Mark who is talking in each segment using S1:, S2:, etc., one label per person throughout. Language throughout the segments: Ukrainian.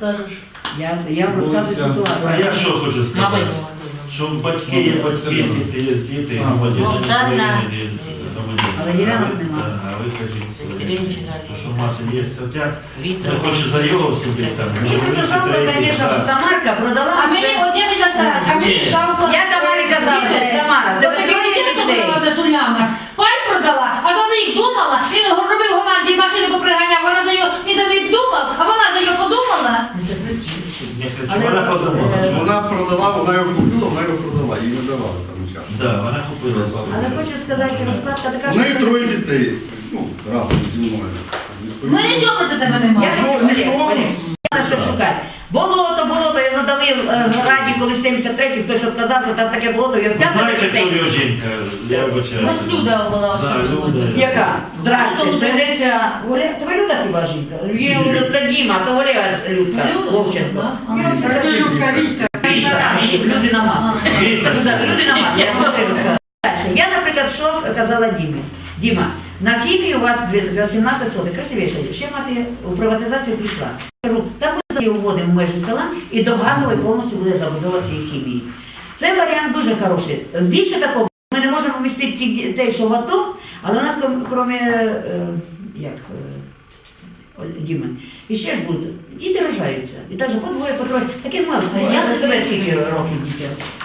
S1: скажеш?
S2: Я вам розказую
S3: А
S2: ситуацію.
S3: я що хочу сказати? Що батьки є батьки, діти є діти, громадяни України є громадяни.
S2: Але ділянок нема.
S3: А ви кажіть, що Маша є. От я хочу заяву собі там.
S2: Мені просто жалко, звісно, що Тамарка продала.
S1: А мені, от я хотіла сказати, а мені жалко.
S2: Я Тамарі казала, Тамара,
S1: От таке чесно продала до Шульяна. Пай продала, а за них думала, він робив в Голландії, машини поприганяв, вона за його, він за них думав, а вона за його подумала.
S3: Вона подумала.
S4: Вона продала, вона його купила, вона його продала, їй не давали там час.
S3: Так, вона купила.
S2: Але хочу сказати, розкладка така,
S4: У
S2: що...
S4: неї троє дітей, ну, разом зі мною.
S1: Ми нічого проти тебе не
S2: Я
S1: маємо.
S2: хочу, Олег, що шукати. Болото, його надали в Раді, коли 73-й, хтось відказався, там таке болото, його
S3: Ви
S2: 5
S3: знаєте, хто
S2: дітей.
S3: його жінка? Я вибачаю.
S1: Ось Люда була особливо.
S2: Яка? Здрасте, прийдеться... Тебе Люда хіба жінка? Це Діма, це Оля Людка, Вовченко. Людина мама. Людина мама, я просто розказала. Дальше. Я, наприклад, що казала Дімі. Діма, на хімії у вас 18 соток, красивіше, ще мати у приватизацію пішла. Кажу, там ми вводимо в межі села і до газової повністю буде забудова цієї хімії. Це варіант дуже хороший. Більше такого, ми не можемо вмістити тих дітей, що в АТО, але у нас, крім, Діми, і ще ж будуть, діти рожаються. І так же по двоє, по троє. Таке мало, я до тебе скільки років дітей?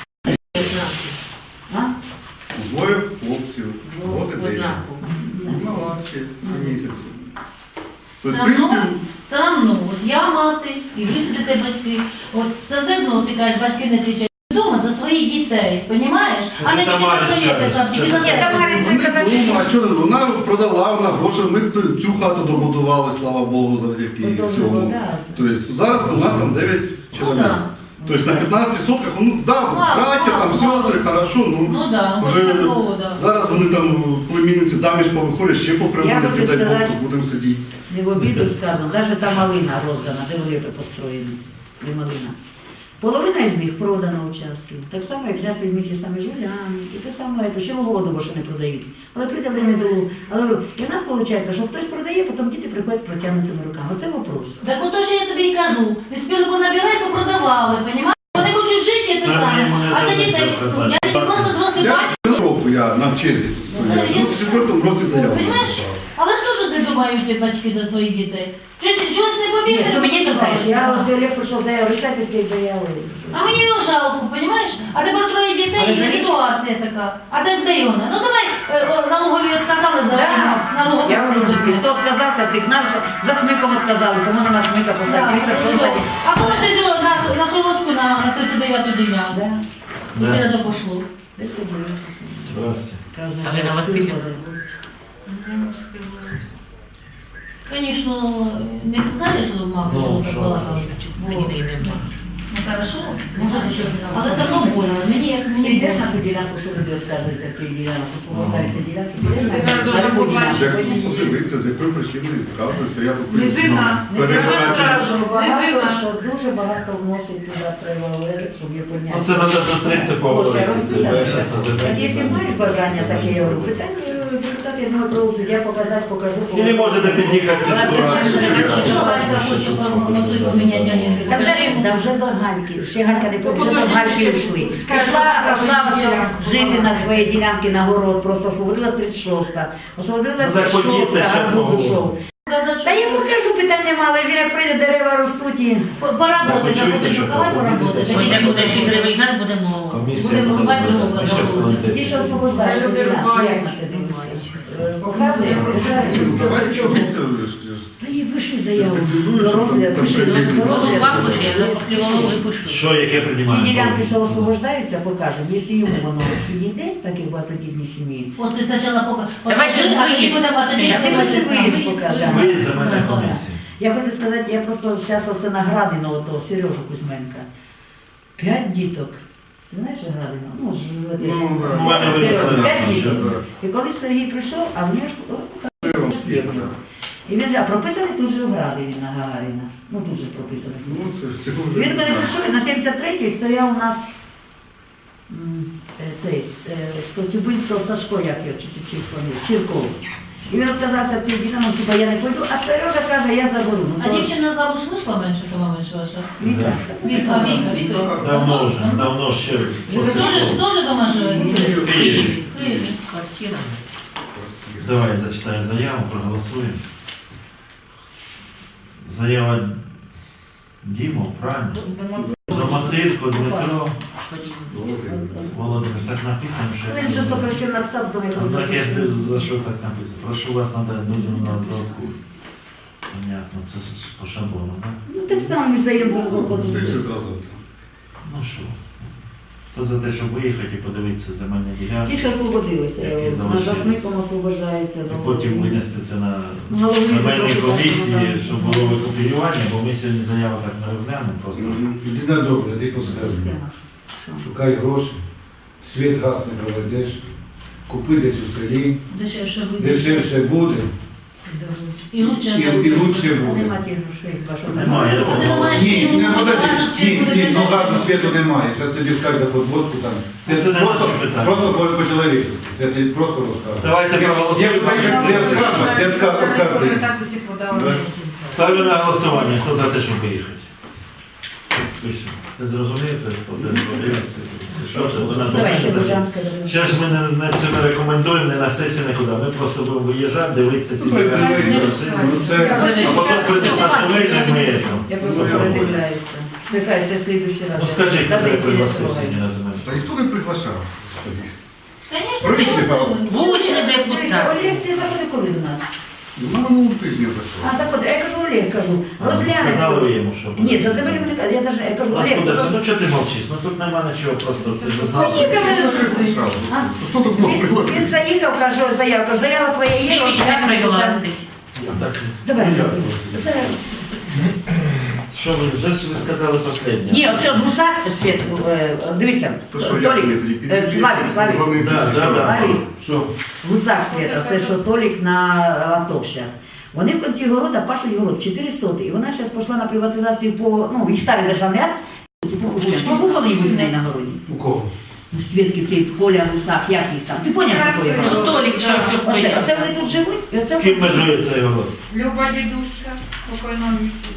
S2: А?
S4: Двоє хлопців, от і десь. Молодці, 7 місяців. Тобто, в принципі,
S1: Все одно, от я мати, і ви сидите батьки, от все одно ти кажеш, батьки не кричать. Дома за своїх дітей, розумієш? А не тільки за своє, тільки за своє.
S4: вони думали, а що вона продала, вона гроші, ми цю хату добудували, слава Богу, завдяки цьому. Тобто зараз у нас там 9 чоловік. Тобто на 15 сотках, ну так, браття, там сестри, хорошо,
S1: Ну так,
S4: вже
S1: слово, так.
S4: зараз вони там племінниці заміж повиходять, ще поприводять, дай Бог, тут будемо сидіти.
S2: Не в обіду сказано, навіть та малина роздана, де вони построєні, де малина. Половина з них продана участків. Так само, як зараз візьміть ті самі Жуляни, і те саме, ще Вологодово, що не продають. Але прийде время до... Але і в нас виходить, що хтось продає, потім діти приходять з протягнутими руками. Оце вопрос.
S1: Так ото що я тобі і кажу. Не спіли понабирати, попродавали, понімаєш? Вони хочуть жити, це саме. А за дітей, я просто зросли бачу.
S4: Року я на черзі тут стою. В 24-му році заяву.
S1: Понімаєш? Але що ж не думають ті батьки за своїх дітей? Чогось не
S2: Ні,
S1: повірили?
S2: ти мені читаєш, я ось Олег прийшов заяву, рішайте з цієї заяви.
S1: А мені його жалко, понімаєш? А тепер троє дітей, і ситуація така. А де його? Ну давай, налогові відказали за налогові.
S2: Я можу бути. Хто відказався, тих наш за смиком відказалися, можна на смика поставити.
S1: А коли це зробили на сорочку на 39-ту ділянку? І все це пошло.
S3: Здравствуйте.
S5: Галина Васильівна.
S1: Звісно, не знаєш, що мама, що так балакала.
S5: Мені не нема.
S1: Ну, хорошо, може, але все одно больно. Мені як
S2: Ти
S1: мені
S2: йдеш
S1: больно.
S2: на ту ділянку, що люди відказуються від тієї ділянки, освобождаються ділянки, підеш на любу ділянку.
S4: Як подивитися, з якої причини відказується, я тут
S6: Низина.
S4: перебирати.
S2: Що дуже багато вносить туди треба говорити, щоб її підняти.
S3: Оце треба до 30 поговорити. Це я щас називаю.
S2: Якщо маєш бажання таке, я говорю, питання депутат, я думаю, про суддя показати, покажу.
S3: Или можете під'їхати зі сторони.
S1: Якщо Васька хоче формувати поміняти Галінку,
S2: Та вже до Гальки, ще Галька не вже до Гальки йшли. Пішла жити на своїй ділянці на город, просто освободилась 36-та. Освободилась 36-та, гарбуз ушов. Та я покажу, питань нема, але ж як прийде, дерева ростуть і...
S1: поработати, а потім давай поработати.
S5: Ось як буде фігровий гад, будемо...
S1: Будемо рубати другого.
S2: Ті, що освобождаються ділянки, як на це дивишся? Показує,
S4: Ну, давай чого це?
S2: Та їй пиши заяву. До розгляду, пиши до розгляду.
S5: Вам пише, я заплювала і пишу.
S3: Що, яке
S2: Ті
S3: приймаємо?
S2: ділянки, що освобождаються, покажемо. Якщо йому воно підійде, так як багатодітні сім'ї.
S1: От ти спочатку покажи.
S5: Давай же виїзд.
S2: А ти пиши виїзд поки.
S3: Ви за мене комісії.
S2: Я хочу сказати, я просто зараз оце на Градино, ото Сережу Кузьменка. 5 діток. Ти знаєш Градино? Ну, ж
S4: Ну, да.
S3: У мене
S2: Сережа,
S3: виросла
S2: 5
S3: наша,
S2: діток.
S4: да.
S2: І коли Сергій прийшов, а в нього ж і він же, а прописаний тут же в Градині на Гагаріна. Ну тут же прописаний.
S4: Ну, це вже...
S2: Він коли прийшов, на 73-й стояв у нас цей з Коцюбинського Сашко, як його, Чирков. І він відказався цим дітям, ну, типа, я не пойду, а Сережа каже, я заберу. Ну,
S1: А
S2: то ж-
S1: дівчина замуж вийшла менше, сама менше ваша?
S2: Віка.
S1: Віка.
S3: Давно ще
S1: Ви
S3: після
S1: теж
S3: школи.
S1: дома живете?
S3: В Києві.
S1: В Києві.
S5: Квартира.
S3: Давай зачитаю заяву, проголосуємо. Заява Діму, правильно? Роматирко Дмитро Володимир. Так написано,
S2: Він
S3: що...
S2: же сопрощен написав, то я
S3: Ну, так я
S2: кажу,
S3: за що так написано? Прошу вас надати дозвіл на розробку. Понятно, це по шаблону, так?
S2: ну так само ми ж даємо зараз
S4: Все ще
S2: подумати.
S4: зразу.
S3: Ну що? Хто за те, щоб виїхати і подивитися земельні
S2: Ті,
S3: ділянки,
S2: що освободилися,
S3: Які
S2: на
S3: залишились.
S2: засмиком освобождається.
S3: і потім винести це на
S2: Голові
S3: земельній
S2: трошки
S3: комісії,
S2: так,
S3: щоб було викопіювання, бо ми сьогодні заяву так не розглянемо просто.
S6: Людина добра, ти поскажи.
S2: Схема. Що?
S6: Шукай гроші, світ газ не проведеш, купи десь у селі,
S1: Дешевше буде.
S6: дешевше буде
S1: І лучше.
S6: і лучше
S2: А
S6: буде.
S2: нема тих грошей, вашого
S3: Немає.
S1: Ти не маєш
S6: Ні,
S1: ні,
S6: не подожди,
S1: газу, світ
S6: ні,
S1: буде
S6: ні, ну
S1: дешевше.
S6: газу світу немає. Зараз тобі скажуть за подводку там.
S3: Це не
S6: просто,
S3: наше питання.
S6: просто по-чоловічески. Це ти просто розказуєш.
S3: Давайте проголосуємо.
S6: Я відказую.
S3: Ставлю на голосування. Хто за те, щоб виїхати? Пише. Ти зрозумієте? Що це? Ви на
S2: Давай ще
S3: земельні
S2: Бужанська.
S3: Зараз ми не це не рекомендуємо, не на сесію, нікуди. Ми просто будемо виїжджати, дивитися ці
S6: Ну,
S3: ділянки.
S6: ну, це-
S3: А потім прийти на земельні ми є.
S2: Я просто передивляюся. Це слідуючий раз.
S3: Ну скажіть,
S2: Добре,
S3: хто пригласив
S2: інтересно.
S3: сьогодні на земельні?
S4: Та ніхто не приглашав.
S1: Звісно,
S4: Прийшли,
S1: пригласили.
S5: Вуличний
S2: Дивіться,
S5: депутат.
S2: Олег, ти заходи коли до нас?
S4: На минулому тижні прийшов.
S2: А, заходи. Я кажу, Олег, кажу, розглянемо.
S3: Сказали ви йому, що
S2: Ні, за землю не кажу. Я кажу, Олег,
S3: Откуда
S2: ти
S3: це? Ну чого ти мовчиш? Ну тут нема нічого, просто ти ж знав.
S2: Ні, кажу, А?
S4: Хто тут мог
S2: Він
S4: пригласити?
S2: заїхав, каже, заявка. Заява твоя є,
S5: Фільміч не
S2: розглянемо.
S5: пригласить.
S3: Так,
S2: Давай,
S3: ну,
S2: зараз.
S3: що ви вже ж ви сказали останнє?
S2: Ні, оце гусак, Світ, дивися,
S4: То що, як мені тоді
S2: Толік,
S4: підійти?
S2: Славік,
S4: Вони
S3: Да, да, да.
S2: Славік,
S6: Що?
S2: гусак Світа, це що Толік на АТО зараз. Вони в кінці города пашуть город 4 соти, і вона зараз пішла на приватизацію по, ну, їх старий державний акт, побухали їм в неї на городі.
S6: У кого?
S2: Свідки ці Коля, Гусак, як їх там, ти поняв, за кого я
S5: Ну,
S2: говорю?
S5: Толік, що все
S2: Оце
S5: стояв.
S2: вони тут живуть, і оце
S3: З ким межує цей город?
S7: Люба дідуська, покойна місці.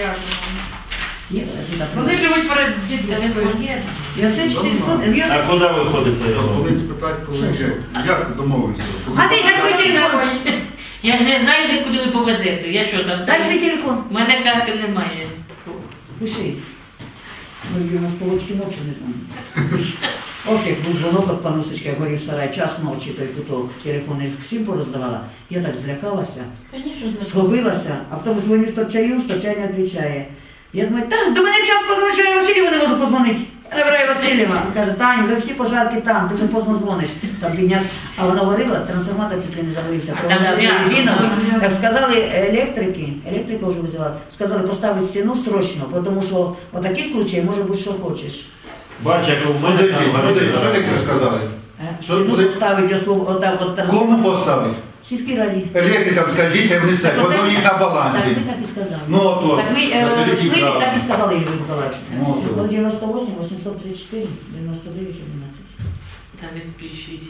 S2: Є, туди
S7: Вони живуть перед дідуською.
S2: І оце 4 соти.
S3: А куди виходить цей город?
S4: Вони спитають, коли як ти домовився?
S2: Гади, дай свій телефон.
S5: Я ж не знаю, де куди ви повезете. Я що там?
S2: Дай свій телефон.
S5: У мене карти немає.
S2: Пиши. Ми у нас полочки ночі не знаємо. Ох, як був дзвонок от панусечка, горів сарай, час ночі, той куток, телефони всім пороздавала. Я так злякалася, схопилася, а потім дзвоню Сточаю не відповідає. Я думаю, так, до мене час позвонить, я Васильєва не можу позвонити. Я набираю Васильєва. Він каже, Таня, вже всі пожарки там, ти вже поздно дзвониш. Там підняв, а вона говорила, трансформатор чуть не загорівся.
S5: А там грязно,
S2: резиновий.
S5: да.
S2: Так сказали електрика вже визивала, сказали поставити стіну срочно, тому що в такий случай може бути, що хочеш.
S3: Бач, як у мене
S6: Подожди,
S3: там
S6: подожди, що
S3: город.
S6: таке сказали?
S2: Стіну поставити, отак от
S6: Кому поставити?
S2: Сільській раді.
S6: Електрикам скажіть, а вони ставлять. Воно у них на
S2: Так,
S6: балансі.
S2: ми так і сказали.
S6: Ну, от,
S2: Так ми
S6: на тоді
S2: Сливі
S6: правильно.
S2: так і сказали Ігорю Миколаївичу.
S6: Ну, от, от.
S2: 98, 834, 99, 11.
S5: Та не спішіть.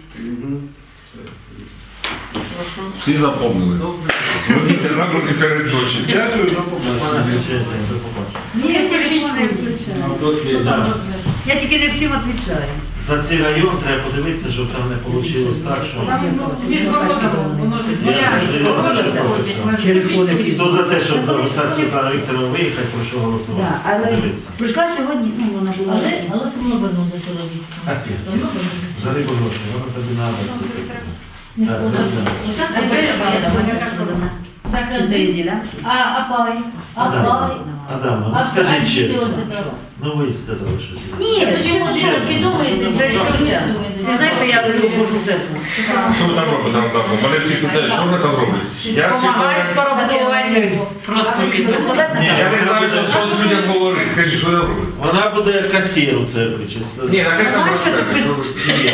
S8: Всі запомнили.
S4: Добре.
S8: Зверніть на руки серед ночі.
S4: Дякую, до
S3: Пане
S4: побачення.
S3: величезне, до побачення.
S2: Ні, я телефон не включаю.
S3: Да.
S2: Я тільки не всім відповідаю.
S3: За цей район треба подивитися, щоб там не вийшло так, що...
S7: Між городами, воно ж
S3: Я ж
S7: відбувається.
S2: Телефони
S3: Хто за те, щоб до Олександра Світлана Вікторова виїхати, прошу голосувати.
S2: Да, але
S3: Подивитися.
S2: прийшла сьогодні, ну вона була.
S1: Але все одно вернувся чоловічку.
S3: Опять.
S1: Все одно вернувся.
S3: За рибу гроші, воно тобі треба.
S1: Не
S3: Так,
S1: ходить.
S3: не знаю.
S1: Так,
S2: Чотири ділянки.
S1: а пай, а
S3: Адам,
S1: пай.
S3: Адам, ну
S1: А
S3: скажіть
S1: діти
S3: чесно.
S1: оце так.
S3: Ну ви сказали, що
S2: Ні,
S1: Чому
S2: чому
S1: ти
S2: ти
S1: усвідомуєте?
S2: Це що це? Ти знаєш, що я люблю Божу церкву?
S8: Що ви там робите там? Мене всі питають, що ви там робите? Я
S2: Помагаю
S8: чекаю.
S2: скоро будувати.
S5: Просто підвезли.
S3: Ні,
S8: Я не знаю, що людям говорити. Скажіть, що ви робите?
S3: Вона буде касір у церкві, чесно.
S8: Ні, так як там
S2: Знаєш, що
S8: розказати?
S2: тут
S8: Що ви-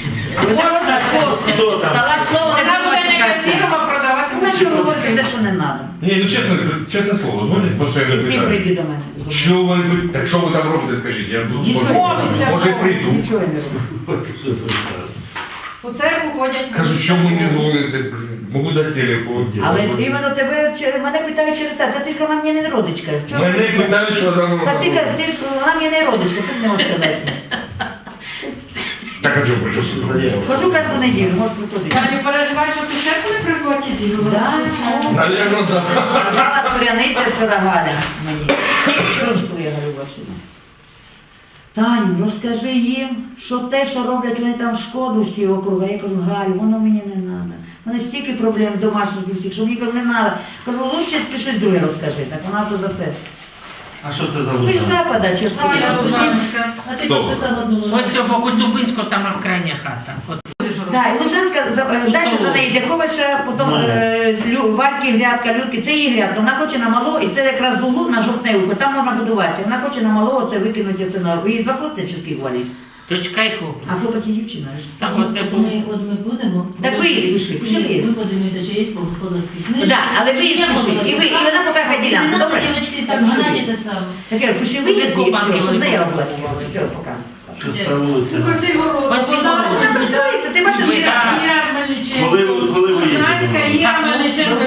S3: Хто там?
S2: Дала слово, не
S7: Вона буде не
S2: треба
S7: красиво продавати.
S2: Вона що говорить, те, що не треба.
S8: Ні, ну чесне слово, дзвонять постійно
S2: Ти
S8: питають.
S2: прийди до мене.
S8: Що ви тут? Так що ви там робите, скажіть? Я тут
S2: Нічого.
S8: може прийду.
S2: Нічого я не роблю.
S7: У церкву ходять.
S8: Кажу, що мені дзвонити, блін, можу дати телефон.
S2: Але іменно тебе, мене питають через те, та ти ж вона мені не родичка. Чого?
S8: Мене питають, що там.
S2: Так ти кажеш, ти ж вона мені не родичка, що ти не можеш сказати?
S8: Так, а чого, що?
S2: Хожу кожну неділю, можеш приходити.
S7: Я не переживаю, що ти в церкву не приходять.
S2: Да.
S8: Навірно, так.
S2: Казала Коряниця вчора Галя мені. Трошку я говорю Василю. Таню, розкажи їм, що те, що роблять вони там шкоду всі округи. Я кажу, Галю, воно мені не треба. У мене стільки проблем домашніх і всіх, що мені кажу, не треба. Кажу, лучше ти щось друге розкажи. Так вона це за це.
S3: А що це за
S2: Ви ж
S3: Луцьк?
S2: запада, чи
S7: Галя Лужанська.
S1: А ти
S8: Добре.
S1: підписав одну
S5: Ось
S1: Лужанську.
S5: все, по Коцюбинську сама крайня хата. От.
S2: Так, і Лужанська, далі за неї Дяковича, потім Вальки грядка, Людки, це її грядка. Вона хоче на мало, і це якраз з углу на Жовтневку, там можна будуватися. Вона хоче на мало, це викинути це на. Її два хлопці чи скільки вони?
S5: Дочка і хлопець.
S2: А хлопець і дівчина. ж.
S5: Саме це був.
S1: Ми будемо.
S2: Так виїзд пиши, пиши
S1: Ні,
S2: виїзд.
S1: ми подивимося, чи є господарські книжки.
S2: Так, але виїзд
S1: Я
S2: пиши.
S1: можу
S2: І
S1: написати.
S2: вона поки хай ділянку,
S1: Не надо,
S2: добре?
S1: дівчатки,
S2: Так,
S1: так,
S2: пиши
S1: гнати
S2: виїзд.
S1: те саме.
S2: Таке, пиши виїзд і
S5: Копанки
S2: все, щоб
S5: були.
S2: заяву була. Все, поки.
S3: Що це вулиця?
S7: Оцей город.
S5: Оцей
S7: Вона
S5: город.
S2: Вона застроїться, ти бачиш,
S5: Ви
S2: ділянку.
S5: так.
S7: Ярмоличенко.
S3: Коли ви
S7: Лужанська,
S3: їздите?
S7: Ярмоличенко.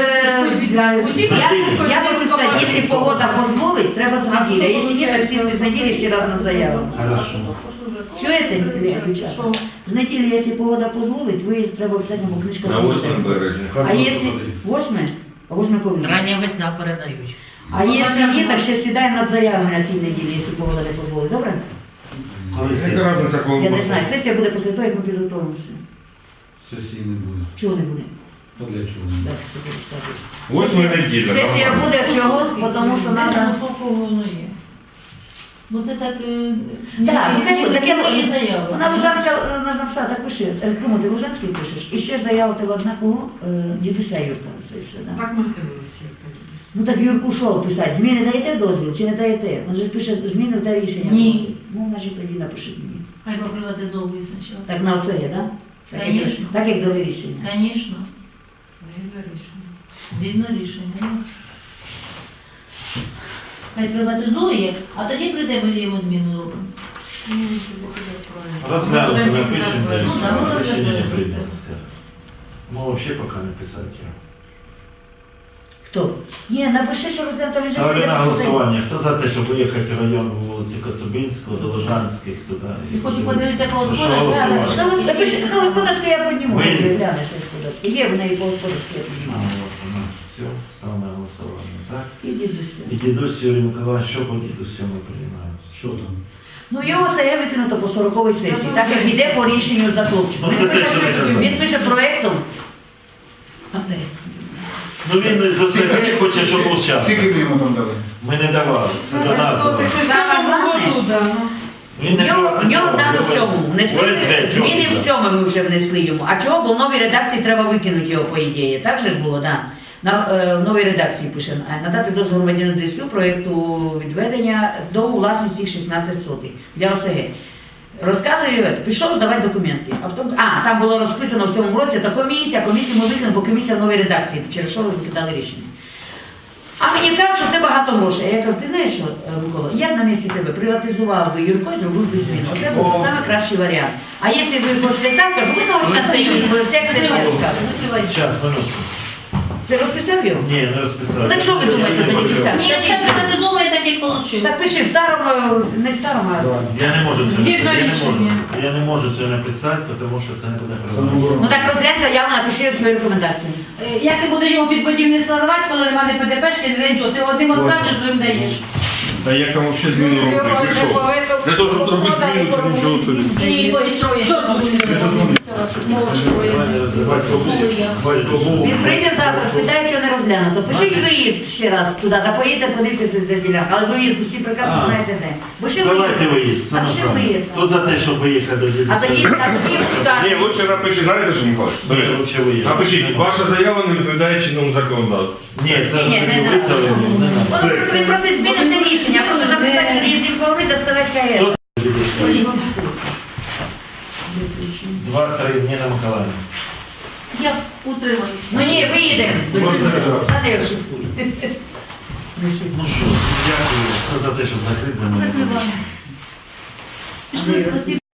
S2: Я хочу сказати, якщо погода дозволить, треба з неділі. А якщо ні, так сісти з неділі ще раз на заяву.
S3: Хорошо.
S2: Чуєте, дівчата? З неділі, якщо погода дозволить, виїзд треба обов'язково, бо книжка
S8: На 8
S2: стоїть.
S8: березня.
S2: А якщо 8? А 8 коли?
S5: Рання весна передають.
S2: А якщо ні, так ще сідаємо над заявами на тій неділі, якщо погода не дозволить. Добре?
S3: Коли
S8: Яка
S3: сесія?
S8: різниця, коли
S2: Я не знаю, сесія буде після того, як ми підготуємося.
S6: Сесії не буде.
S2: Чого не буде?
S6: То для чого?
S2: Так, що ти розказуєш?
S8: 8 неділя.
S2: Сесія
S8: нормально.
S2: буде чого? Тому що
S1: Треба,
S2: треба...
S1: що кого воно є. Бо це так...
S2: Так, так я
S1: є заява.
S2: Вона Лужанська, можна написати, так пиши. Кому ти Лужанський пишеш? І ще ж заяву тебе одна кого? Дідуся Юрка, це все, да?
S7: Так можете вивести.
S2: Ну так Юрку що писати? Зміни даєте дозвіл чи не даєте? Він же пише зміни та рішення.
S1: Ні.
S2: вносить. Ну, значить тоді напишіть мені.
S1: Хай поприватизовує спочатку.
S2: Так на все є, так? Так, як-
S1: Конечно.
S2: так як дали рішення.
S1: Звісно. Вільно рішення. Хай приватизує, а тоді прийде, ми йому зміну робимо.
S3: Розглянути, напишемо,
S1: Ну, да,
S3: де
S1: ну,
S3: рішення не
S1: розглянути.
S3: прийде. Ми взагалі поки не писати його.
S2: Хто? Ні, напиши, що розглянути вже.
S3: Ставлю на голосування. Хто за те, щоб поїхати в район вулиці Коцюбинського, до Лужанських, туди?
S1: І хочу подивитися, кого
S3: Прошу
S1: господарська.
S3: голосувати.
S2: Напиши, ну господарське я підніму.
S3: Ви-
S2: Глянеш господарське. Є в неї по господарське я підніму.
S3: Все, ставимо на голосування, так?
S2: І дідуся.
S3: І дідусь Юрій Миколаївич, що по дідусю ми приймаємо?
S6: Що там?
S2: Ну, його все викинуто по 40-й сесії, так як йде по рішенню за хлопчиком.
S3: Ну, це те, що ви казали.
S2: Він пише проєктом. А де?
S3: Ну він за це хоче, щоб був час.
S6: Скільки ми йому там дали?
S3: Ми не давали, це до нас давали. Він
S2: В нього в дану
S3: ОСГ
S2: всьому внесли
S3: чого
S2: зміни
S3: він
S2: в сьому ми вже внесли йому. А чого? Бо в новій редакції треба викинути його, по ідеї. Так же ж було, так? В новій редакції пише, надати дозвіл громадянину ДСЮ проєкту відведення до власності їх 16 сотих для ОСГ. Розказує, пішов здавати документи. Там було розписано в цьому році, то комісію ми викинули, бо комісія в новій редакції, через що ви викидали рішення. А мені кажуть, що це багато грошей. А я кажу, ти знаєш що, Микола, я б на місці тебе приватизував би Юрко і зробив би зміну. Оце був найкращий варіант. А якщо ви хочете так, кажу, ви можете на сесії, бо всяк сесія скаже.
S3: Час, минутку.
S2: Ти розписав його?
S3: Ні, не розписав.
S2: Ну, так що ви думаєте за дідуся?
S1: Ні, я приватизовує так, як отримав.
S2: Так пиши, в старому, не в старому, а...
S3: Я не можу це
S7: Згідно
S3: написати.
S7: рішення.
S3: Я не можу це написати, тому що це не буде правильно.
S2: Ну так розглянь заяву, напиши свої рекомендації.
S1: Як ти будеш його під будівництво давати, коли немає ПДПшки, не нічого, ти одним розказуєш, другим даєш.
S8: Та як там взагалі зміну робити? Ти що? Для того, щоб зробити зміну, це нічого собі.
S1: І строїш.
S2: Він прийде завтра, спитає, що не розглянуто. Пиши виїзд ще раз туди, та поїдете подивитися з ділянки. Але виїзд всі прекрасно
S3: А.
S2: знаєте де. Бо ще
S3: Давайте виїзд.
S2: А ще виїзд.
S3: Хто за те, щоб виїхати до дідуся?
S2: А тоді
S8: Ні,
S2: скажуть.
S8: лучше напиши, знаєте, що Миколаївич?
S3: Ні, лучше виїзд.
S8: Напишіть, ваша заява не відповідає чинному законодавству.
S3: Ні, це
S2: Ні, не
S3: ви це не надо.
S2: Він просить змінити рішення, просто написати виїзд інформи та сказати КС.
S3: Два-три, Ніна Миколаївна.
S1: Я утримаюся.
S2: Ну ні, виїдемо. А де шифуй?
S3: Ну що, дякую. Хто за те, щоб закрити за мене?
S1: Пішли, спасибо.